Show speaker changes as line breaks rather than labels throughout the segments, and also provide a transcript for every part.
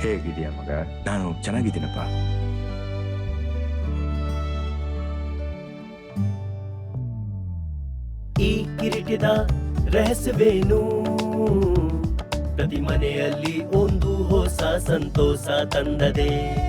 ಹೇಗಿದೆಯಾ ಮಗ? ನಾನು ಚೆನ್ನಾಗಿದ್ದೀನಪ್ಪ.
ಈ ಕಿರೀಟದ ರಹಸ್ಯವೇನು? ಪ್ರತಿ ಮನೆಯಲ್ಲಿ ಒಂದು ಹೊಸ ಸಂತೋಷ ತಂದದೆ.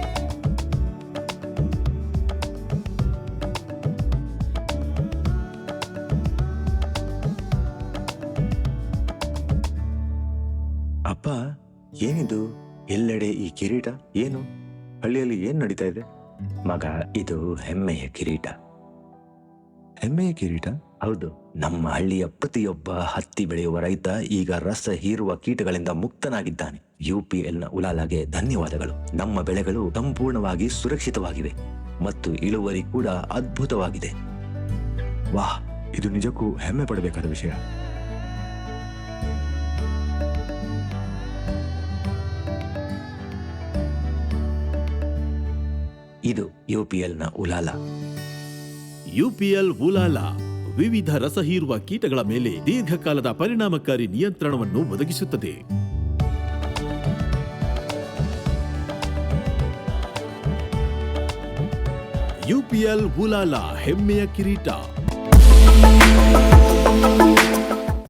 ಅಪ್ಪ, ಏನಿದು? ಎಲ್ಲೆಡೆ ಈ ಕಿರೀಟ? ಏನು ಹಳ್ಳಿಯಲ್ಲಿ ಏನ್ ನಡೀತಾ ಇದೆ? ಮಗ, ಇದು ಹೆಮ್ಮೆಯ ಕಿರೀಟ. ಹೆಮ್ಮೆಯ ಕಿರೀಟ? ಹೌದು. ನಮ್ಮ ಹಳ್ಳಿಯ ಪ್ರತಿಯೊಬ್ಬ ಹತ್ತಿ ಬೆಳೆಯುವ ರೈತ ಈಗ ರಸ ಹೀರುವ ಕೀಟಗಳಿಂದ ಮುಕ್ತನಾಗಿದ್ದಾನೆ. UPLನ ಉಲಾಲಾಗೆ ಧನ್ಯವಾದಗಳು. ನಮ್ಮ ಬೆಳೆಗಳು ಸಂಪೂರ್ಣವಾಗಿ ಸುರಕ್ಷಿತವಾಗಿವೆ ಮತ್ತು ಇಳುವರಿ ಕೂಡ ಅದ್ಭುತವಾಗಿದೆ. ವಾಹ್, ಇದು ನಿಜಕ್ಕೂ ಹೆಮ್ಮೆ ಪಡಬೇಕಾದ ವಿಷಯ. ಇದು UPLನ ಉಲಾಲಾ.
UPL ಉಲಾಲಾ ವಿವಿಧ ರಸಹೀರುವ ಕೀಟಗಳ ಮೇಲೆ ದೀರ್ಘಕಾಲದ ಪರಿಣಾಮಕಾರಿ ನಿಯಂತ್ರಣವನ್ನು ಒದಗಿಸುತ್ತದೆ. UPL ಉಲಾಲಾ, ಹೆಮ್ಮೆಯ ಕಿರೀಟ.